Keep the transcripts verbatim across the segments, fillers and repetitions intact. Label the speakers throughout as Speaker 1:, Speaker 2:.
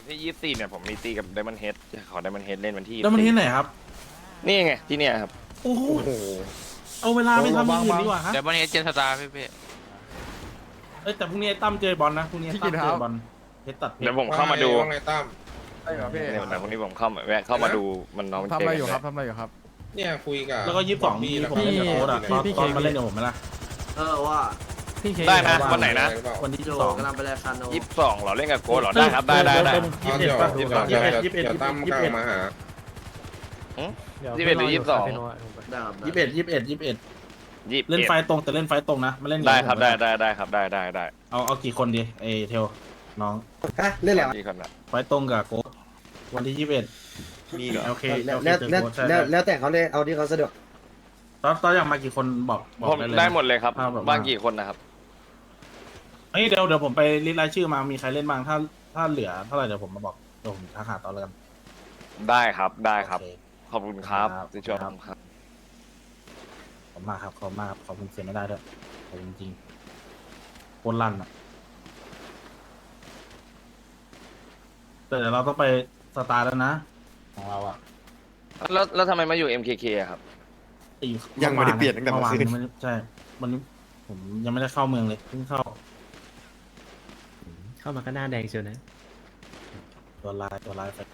Speaker 1: ที่ยี่สิบสี่เนี่ยผมมีตีกับไดมอนด์เฮดขอไดมอนด์เฮดเล่นวันที่
Speaker 2: แล้วมันที่ไหนครับ
Speaker 1: นี่ไงที่เนี่ยครับ
Speaker 2: โอ้โหเอาเวลาไปทำอย่างอื่นดีกว่าฮะ
Speaker 3: เดี๋ยววันนี้เจนสตาร์พี่พี่
Speaker 2: เอ้ยแต่พรุ่งนี้ไอ้ตั้มเจอบอลนะพรุ่งนี้ไอ้ตั้มเจอบอลเพชรตัดเพช
Speaker 1: เดี๋ย
Speaker 2: ร
Speaker 1: วผมเข้ามาดู
Speaker 4: ว่าไงตั้ม
Speaker 5: ใช่เหรอพี่
Speaker 1: เนี่ยแต่พรุ่งนี้ผมเข้ามาแวะเข้ามาดูมันน้องมัน
Speaker 5: ทำ
Speaker 1: เจอ
Speaker 5: อะไร
Speaker 1: กัน
Speaker 5: อยู่ครับ
Speaker 1: เลย
Speaker 5: ทำอะไรอยู่ครับ
Speaker 4: เนี่ยคุยกับ
Speaker 2: แล้วก็ยี่สิบสองที่ผมเล่นกับโค้ดอ่ะตอนตอนมาเล่นกับผมไหมล่ะ
Speaker 6: เออว่า
Speaker 5: พี่เค
Speaker 1: ได้นะวันไหนนะ
Speaker 2: วันที่
Speaker 6: โจ
Speaker 2: ยี่สิบสอง
Speaker 6: กำลังไปรายการโน
Speaker 1: ยี่สิบสองเหรอเล่นกับโก้เหรอได้ครับได้ได้ได้
Speaker 2: ยี่สิบเอ็ดป่ะยี่สิบสองยี่สิบเอ็ดยี่สิบเอ็ด
Speaker 4: เดี๋ยวตั้ม
Speaker 2: ยี่
Speaker 4: ก
Speaker 2: สิบ
Speaker 4: ลา
Speaker 2: เอ็ด
Speaker 4: งมาหา
Speaker 1: ยี่สิบเอ็ดหรือยี่สิบสอง
Speaker 6: ได้ครับ
Speaker 2: ยี่สิบเอ็ดยี่สิบเอ็ดยี่สิบเอ็ด
Speaker 1: ยี่สิบ
Speaker 2: เล่น
Speaker 1: เอ็ด
Speaker 2: ไฟตรงแต่เล่นไฟตรงนะมาเล่นกับ
Speaker 1: ได้ครับ
Speaker 2: ผม
Speaker 1: ได้ได้ได้ครับได้ได้ได้
Speaker 2: เอาเอากี่คนดีเอเทลน้อง
Speaker 7: เล่นแล้ว
Speaker 1: ที่คนละ
Speaker 2: ไฟตรงกับโค้ดวันที่ยี่สิบเอ็ด
Speaker 1: มีเหรอ
Speaker 2: โอเค
Speaker 7: แล้ว
Speaker 2: โอเค
Speaker 7: แล้ว
Speaker 2: เจอ
Speaker 7: แล้ว
Speaker 2: โค้ดใช่
Speaker 7: แล้วแล้วแต่เขาเลยเอาที่เขาสะดวก
Speaker 2: ตอนตอนอยากมากี่คนบอกบอก
Speaker 1: ผม
Speaker 2: ได้เลยนะ
Speaker 1: ได้หมดเลยครับ
Speaker 2: ภาพแบบว่า
Speaker 1: บ้างกี่คนนะครับ
Speaker 2: เฮ้ยเดี๋ยวเดี๋ยวผมไปลิสต์รายชื่อมามีใครเล่นบ้างถ้าถ้าเหลือเท่าไหร่เดี๋ยวผมมาบอกเดี๋ยวผมทักหาตอนแล้วกัน
Speaker 1: ได้ครับได้ครับ
Speaker 2: โอเ
Speaker 1: ขอบคุณครับ
Speaker 2: ครับ
Speaker 1: ที่ช่วยผมครับ
Speaker 2: ขอบคุณมากครับขอบคุณมากครับขอบคุณเสียไม่ได้ด้วยขอบคุณจริงๆโคตรลั่นอ่ะแต่เดี๋ยวเราต้องไปสตาร์แล้วนะ ของเราอ่ะ
Speaker 1: แล้วแล้วทำไมมาอยู่ เอ็ม เค เค อะครับ
Speaker 2: อีก
Speaker 7: ยังไม่ได้เปลี่ยนตั้งแต่เมื่อคืน
Speaker 2: วานใช่วันนี้ผมยังไม่ได้เข้าเมืองเลยเพิ่งเข้า
Speaker 8: เข้ามาก็หน้าแดงเชียวนะ
Speaker 2: ตัวลายตัวลายไป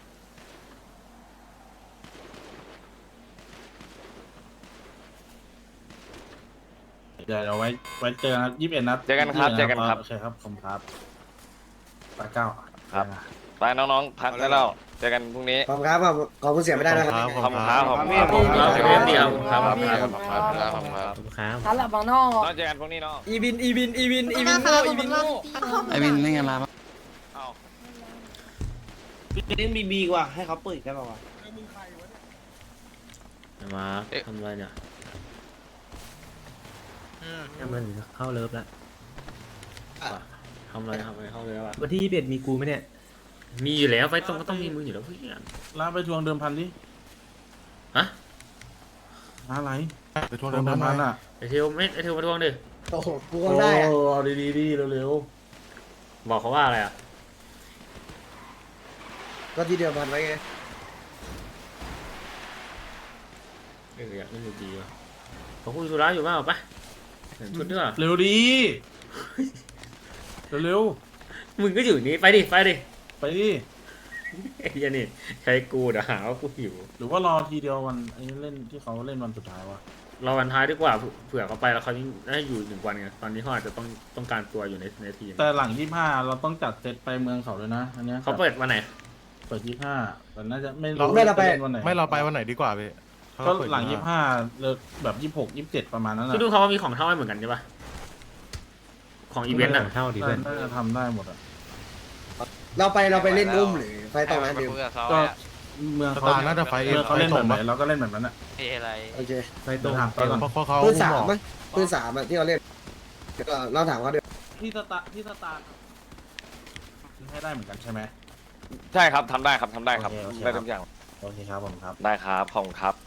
Speaker 2: เดี๋ยวเราไว้ไว้เจอกันยี่สิบเอ็ดนัด
Speaker 1: เจอกันครับเจอกันครับ
Speaker 2: โอเคครับผมครับปาเก้า
Speaker 1: ครับ ไปน้องๆพักได้แล้วเจอกันพรุ่งนี้
Speaker 7: ขอบคุณครับขอบขอบคุณเสียไม่ได้นะครับ
Speaker 1: ขอบคุณครับขอบคุณครับ
Speaker 3: ขอบคุณครับ
Speaker 1: ขอบคุณ
Speaker 3: เดียว
Speaker 1: ครับ
Speaker 3: ครับ
Speaker 1: ขอบคุณครับขอบคุณครับขอบคุณครับ
Speaker 8: ขอบคุณครับ
Speaker 9: ฮัลโหลบางนอก
Speaker 1: น้องเจอกันพรุ่งนี้เนาะ
Speaker 7: อีวินอีวินอีวินอีวินโง่อีวินโง่
Speaker 8: ไอวินเล่นกันมา
Speaker 1: เอา
Speaker 6: เล่นบีบีกว่าให้เขาเปิดกันป่าวะ
Speaker 8: มาทำอะไรเนี่ย
Speaker 3: อืม
Speaker 8: ทำมันเข้าเลิฟแล้วทำอะไรทำอะไรเข้าเลิฟอ่ะ
Speaker 6: วันที่ยี่สิบเอ็ดมีกูไหมเนี่ย
Speaker 8: มีอยู่แล้วไฟตรงก็ต้องมีมืออยู่แล้วเพื่อน
Speaker 2: ลาไปทวงเดิมพันดิ
Speaker 8: ฮะ
Speaker 2: ลาอะไร
Speaker 5: ไปทวงเดิมพัน
Speaker 2: พัน
Speaker 5: มา
Speaker 2: อ่ะ
Speaker 8: ไอเทลไม่ไอเทลมาทวงดิ
Speaker 7: โอ้โหกูก็ได้อะ
Speaker 2: โอ้เอาดีๆดิเร็ว
Speaker 8: บอกเขาว่าอะไรอ่ะ
Speaker 7: ก็ที่เดียวพันไว้ไง
Speaker 8: เอออยากเล่นดีว่ะเขาคุยธุระอยู่เปล่าปะเห็นชุดด้วย
Speaker 2: ๆเร็วดีเร็ว
Speaker 8: มึงก็อยู่นี่ไปดิไปดิ
Speaker 2: ๆไปดิ
Speaker 8: ไอ้เหี้ยนี่ใช้กูเดี๋ยวหาว่ากูหิว
Speaker 2: หรือว่ารอทีเดียววันไอ้เล่นที่เขาเล่นวันสุดท้ายวะ
Speaker 8: รอวันท้ายดีกว่าเผื่อเขาไปแล้วเขาได้อยู่หนึ่งวันไงตอนนี้เขาอาจจะต้องต้องการตัวอยู่ในในทีม
Speaker 2: แต่หลังยี่ห้าเราต้องจัดเซตไปเมืองเขาด้วยนะอันเนี้ย
Speaker 8: เขาเปิดวันไหน
Speaker 2: เปิดยี่ห้าแต่น่าจะไม่
Speaker 5: เรา
Speaker 2: รู้
Speaker 5: ไม่เราไป
Speaker 2: ล่นวันไหน
Speaker 5: ไม่เราไปวันไหนดีกว่าพี่
Speaker 2: ก็หลังยี่ห้าเลิกแบบยี่หกยี่เจ็ดประมาณนั้น
Speaker 8: คือ
Speaker 2: นะ
Speaker 8: ดูเขาว่ามีของเท่าให้เหมือนกันใช่ปะของอีเวนต์อ่ะ
Speaker 6: เท่าดิเพื่อน
Speaker 2: น่าจะทำได้หมดอ่ะ
Speaker 7: เราไปเราไปเล่นอุ้มหรือไฟตรงนั้น
Speaker 3: ไป
Speaker 7: เดียว
Speaker 3: คุยกับเขา
Speaker 2: ก็
Speaker 3: อะ
Speaker 2: เมือง
Speaker 5: ส
Speaker 2: เขา
Speaker 5: ตาร์น่าจะไฟเอ
Speaker 2: เมืองเขาเล่นแบบไหน
Speaker 5: ไฟตรงปะ
Speaker 2: เราก็เล่นแบบนั้นอ่ะ
Speaker 3: เฮ้ยอะไร
Speaker 7: โอเค
Speaker 6: ไฟตรง
Speaker 2: ถามตอนก่อน
Speaker 5: เพราะเขา
Speaker 7: ปืนสาม
Speaker 5: บอก
Speaker 7: ไหมปืนสามอะที่เราเล่นก็เราถามเขาเดียว
Speaker 2: ที่สตาร์ที่สตาร์ให้ได้เหมือนกันใช่ไหม
Speaker 1: ใช่ครับทำได้ครับทำได้ครับ
Speaker 2: โอเคโอเค
Speaker 1: ได้ทุกอย่าง
Speaker 2: โอเคครับผมครับ
Speaker 1: ได้ครับขอบคุณครับ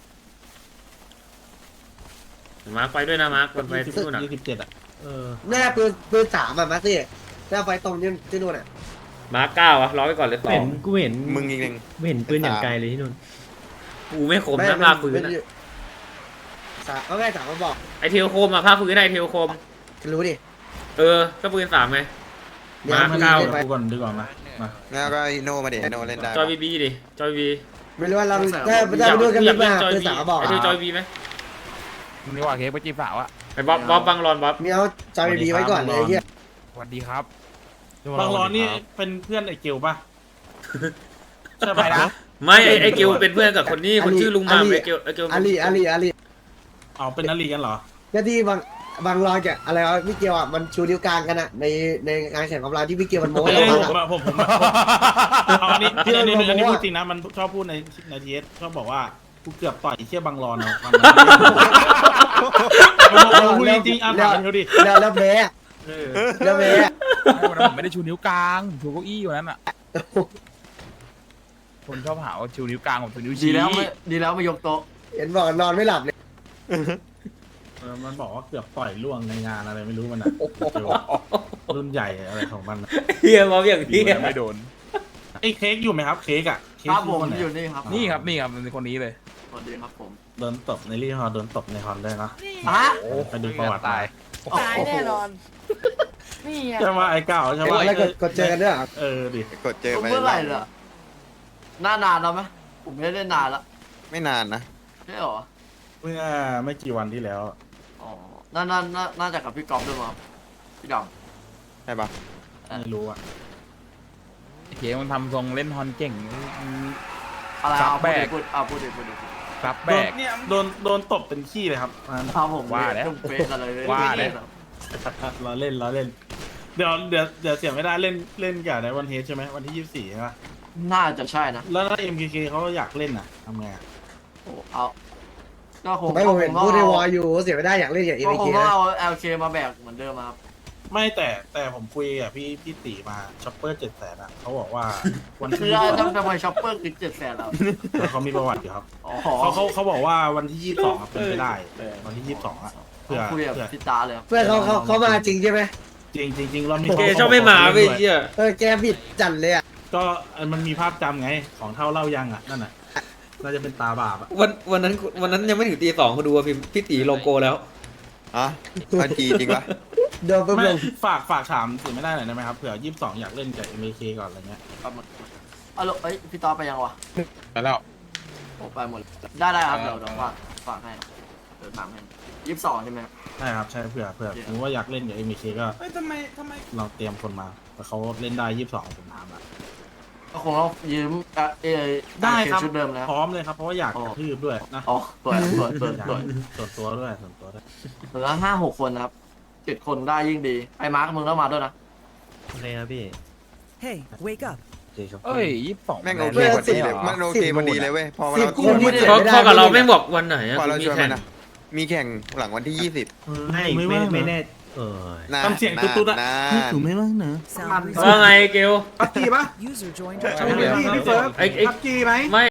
Speaker 8: มาร์คไปด้วยนะมาร์คไปที่นู่นอ่ะ
Speaker 2: ยี่สิบเจ็ดอ่ะ
Speaker 6: เออ
Speaker 7: แน่ปืนปืนสามอะมาสิถ้าไฟตรงที่ที่นู่นอะ
Speaker 8: มาร์คเก้าอะรอไว้ก่อนเลยสอ
Speaker 6: เห็
Speaker 8: ง
Speaker 6: นกูเห็น
Speaker 7: มึงอีกหนึ่ง
Speaker 6: กูเห็นปืนอย่างไกลเลยที่นู่น
Speaker 8: กูไม่คมนะภาคพื้นอะ
Speaker 7: สามเอาแม่สามมาบอก
Speaker 8: ไอเทลโคมอะภาคพื้นไอเทลโคม
Speaker 7: รู้ดิ
Speaker 8: เออก็ปืนสามไง
Speaker 7: เดี๋ยว
Speaker 8: มา
Speaker 7: มัน
Speaker 8: เก้า
Speaker 7: เล่นไป
Speaker 2: ดูก่อนดีกว่ามามา
Speaker 4: แล้วก็โนมาเดี๋ยวโนเล่นได้
Speaker 8: จอยบีบีดิจอยบี
Speaker 7: ไม่รู้ว่าเราถ้าถ้าไปดูกัน
Speaker 8: อยา
Speaker 7: ลึ
Speaker 8: ก
Speaker 7: ก
Speaker 8: เล่
Speaker 7: มาน
Speaker 8: จอยบี
Speaker 7: ปืนสามมาบอก
Speaker 8: ไอเทลจอยบีไหม
Speaker 5: นี่ว่าเค้กไปจีบสาวอะ
Speaker 8: ไอบ๊อบบ๊อบบังรอนบ๊อบ
Speaker 7: มีเอาจอยบีไว้ก่อนเลยไอ้เฮีย
Speaker 5: สวัสดีครับ
Speaker 2: บางร้อนนี่เป็นเพื่อนไอ้เกลป่ะใช่
Speaker 5: ไป
Speaker 2: ปะ
Speaker 5: นะ
Speaker 8: ไม่ไอไอเกลเป็นเพื่อนกับคนนี้คนชื่อลุงมามไอเกลไอเกล
Speaker 7: อาลีอาลีอาลี
Speaker 2: เอาเป็นนาลีกันเหรอ
Speaker 7: ก็ที่บางบางรอยแกอะไรวะพี่เกียวอ่ะมันชูนิ้วกลางกันอ่ะในในงานแข่งของเราที่พี่เกียวมันโม้
Speaker 2: เฮ้
Speaker 7: ให้
Speaker 2: ย
Speaker 7: เราฟัง
Speaker 2: ผม
Speaker 7: อ่ะ
Speaker 2: อะผมผมผมเอาอันนี้อันนี้อันนี้อันนี้พูดจริงนะมันชอบพูดในในทีเอสชอบบอกว่ากูเกือบต่อยไอ้เชี่ยบางรอนเนาะพูดจริงๆอ่ะถามเขาดิ
Speaker 7: แล้วแล้วแพ้อะแล้วแพ้อะ
Speaker 5: วันนั้นผมไม่ได้ชูนิ้วกลางผมชูเก้าอี้อยู่นั้นอะคนชอบหาว่าชูนิ้วกลางผมชูนิ้ว
Speaker 6: ดี
Speaker 5: ชี้
Speaker 6: แล้วไม่ดีแล้วไม่ยกโต๊ะ
Speaker 7: เห็นบอกนอนไม่หลับเลย
Speaker 2: เออมันบอกว่าเกือบต่อยล่วงในงานอะไรไม่รู้มันอ่ะรุ่นใหญ่อะไรของมันอะ
Speaker 8: เฮียบ๊อบอย่าง
Speaker 5: ดี
Speaker 8: เฮีย
Speaker 5: นะไม่โดน
Speaker 2: อไอ้เค้กอยู่ไหมครับ เค้กอ่ะเค้ก
Speaker 6: ครับผม
Speaker 2: นไหน
Speaker 6: อยู่นี่ครับ
Speaker 5: นี่ครับนี่ครับเป็นคนนี้เลย
Speaker 6: สวัสดีครับผม
Speaker 2: โดนตบในรีฮอร์โดนตบในฮอนด้วยนะ
Speaker 6: ฮะ
Speaker 2: ไปดูประวัติ
Speaker 1: ตาย
Speaker 3: ตายแน่นอน นี่ไง
Speaker 2: ใช่ว่าไอ้เก่าใช่
Speaker 7: เอ้ย
Speaker 2: ว่า
Speaker 7: แล้วกดกดเจอกันด้วยเหรอ
Speaker 2: เออดิ
Speaker 4: กดเจอไป
Speaker 6: เมื่อไหร่ล่ะหน้านานแล้วไหมผมไม่ได้เล่นนานละ
Speaker 4: ไม่นานนะ
Speaker 6: ใช่หรอ
Speaker 2: เมื่อไม่กี่วันที่แล้ว
Speaker 6: อ๋อน่าน่าน่าน่าจะกับพี่กอล์ฟด้วยมั้งพี่ด
Speaker 4: ใช่ปะ
Speaker 2: ไม่รู้อ่ะ
Speaker 5: เค้กมันทำทรงเล่นฮอนเก่ง
Speaker 6: ำอะไร
Speaker 5: ครั
Speaker 6: เอา
Speaker 5: บ
Speaker 6: พูด
Speaker 5: แบ
Speaker 6: ดิ
Speaker 5: ก
Speaker 6: พูดเอาพูดดิพูดดิ
Speaker 5: รับ
Speaker 2: โด
Speaker 5: แบ
Speaker 2: น
Speaker 5: ก
Speaker 2: โดนโดนตบเป็นขี้เลยครับอันนั้น
Speaker 6: ครับผม
Speaker 5: ว่าแล้ว
Speaker 6: จุ่มเฟซอะไรเลย
Speaker 5: ว่าแล้ว
Speaker 2: ล้อเล่นล้อเล่น เดี๋ยวเดี๋ยวเดี๋ยวเสียไม่ได้เล่นเล่นกับในวันเฮดใช่ไหมวันที่ยี่สิบสี่ใช่ปะ
Speaker 6: น่าจะใช่นะ
Speaker 2: แล้วถ้า เอ็ม เค เค เขาอยากเล่นอ่ะทำไงอะ
Speaker 6: โอ้เอาก็คง
Speaker 7: ไม่ผมเห็น
Speaker 6: ก็คง
Speaker 7: พูดในวอ
Speaker 6: เอา
Speaker 7: ลอยู่เสียไม่ได้อยากเล่นอย่างเอ
Speaker 6: ก็
Speaker 7: เม
Speaker 6: ค
Speaker 7: เค
Speaker 6: งต้อง
Speaker 7: นะ
Speaker 6: เอา แอล เค มาแบกเหมือนเดิมอะครับ
Speaker 2: ไม่แต่แต่ผมคุยกับพี่พี่ตีมาช็อปเปอร์เจ็ดแสนอ่ะเขาบอกว่าวัน
Speaker 6: คื
Speaker 2: ที่
Speaker 6: อ
Speaker 2: ยี่สิบ
Speaker 6: ทำทำไมช็อปเปอร์คือเจ็ดแสนแล้ว
Speaker 2: เขามีประวัติอยู่ครับ
Speaker 6: อ๋อ
Speaker 2: เขาเขาเขาบอกว่าวันที่ยี่สิบสองเป็นไปได้วันที่ยี่สิบสองอ่ะเพื่อ
Speaker 6: คุยกับ
Speaker 2: เพื่อ
Speaker 6: พี่ตาเลยครับ
Speaker 7: เพื่อนเขาเขาเขามาจริงใช่ไหม
Speaker 2: จริงจริงจริงเรามี
Speaker 8: เกชอบไม่มาเว้ยเหี้ย
Speaker 7: เออแกบิดจัดเลยอ่ะ
Speaker 2: ก็มันมีภาพจำไงของเท่าเล่ายังอ่ะนั่นน่ะน่าจะเป็นตาบาปอ่ะ
Speaker 9: วันวันนั้นวันนั้นยังไม่ถึงตีสองเขาดูว่าพี่พี่ตีโลโก้แล้ว
Speaker 4: อ๋อพันจีจริงปะ
Speaker 7: เดินไป
Speaker 2: ไม่
Speaker 7: ลง
Speaker 2: ฝากฝากถามสิไม่ได้หน่อยได้ไหมครับเผื่อยี่สิบสองอยากเล่นกับ เอ็ม เค ก่อนอะไรเงี้ย
Speaker 6: ครับมันเอาลเอ้ยพี่ตาไปยังวะ
Speaker 1: ไปแล้ว
Speaker 6: โอ้ไปหมดเลยได้ได้ครับเดี๋ยวเดี๋ยวฝากฝากให้เดี๋ยวถามให้ยี่สิบสองใช่ไหมครับ
Speaker 2: ใช่ครับใช่เผื่อเผื่อสมมติว่าอยากเล่นกับ เอ็ม เค ก็
Speaker 3: เฮ้ยทำไมทำไม
Speaker 2: เราเตรียมคนมาแต่เขาเล่นได้ยี่สิบสองผมถามอ่ะ
Speaker 6: ก็คงต้องยืมเอ่อเอ
Speaker 2: ได้ครับ
Speaker 6: ชุดเดิมแล้ว
Speaker 2: พร้อมเลยครับเพราะว่าอยาก
Speaker 6: อ๋อ
Speaker 2: กระทืบด้วยนะ
Speaker 6: อ๋อตัวตัวตัวตัว
Speaker 2: ส่วนตัวด้วยส่วนตัวด้วย
Speaker 6: เหลือห้าหกคนนะครับเจ็ดคนได้ยิ่งดีไอ้มาร์คมึงต้องมาด้วยนะโอเคครับพี่
Speaker 3: Hey wake up
Speaker 2: โอเคครับ
Speaker 5: เอ้ยยี่สิบสอง
Speaker 4: แม่งโอเคพอดีเลยมันโอเคพอดีเลยเว้ยพอ
Speaker 7: สิบ
Speaker 4: เรา
Speaker 7: คนที่
Speaker 4: ช
Speaker 7: เสี
Speaker 4: วย น
Speaker 7: ไม่ได้
Speaker 8: พอพอกับเราไม่บอกวันไหนอะ
Speaker 4: พอเรา
Speaker 8: มี
Speaker 4: ชวน
Speaker 8: แข่
Speaker 4: มัน
Speaker 8: ง
Speaker 4: นะมีแข่งหลังวันที่ยี่สิบ
Speaker 2: ไม่ไม่ไม่ไม่แน่
Speaker 6: เออ
Speaker 4: นะ
Speaker 2: ทำเสียงตุ๊ดๆอ่ะ
Speaker 4: นะ
Speaker 2: นี่ถูกไม่ว่างเนอะ
Speaker 3: Sound
Speaker 8: ว่าไงเกล
Speaker 2: ปักกี้ปะ
Speaker 3: User joined
Speaker 2: ใช่พี่พี่เฟิร์ส
Speaker 8: ไอ้ไอ้
Speaker 2: ปักกี้ไหม
Speaker 8: ไม่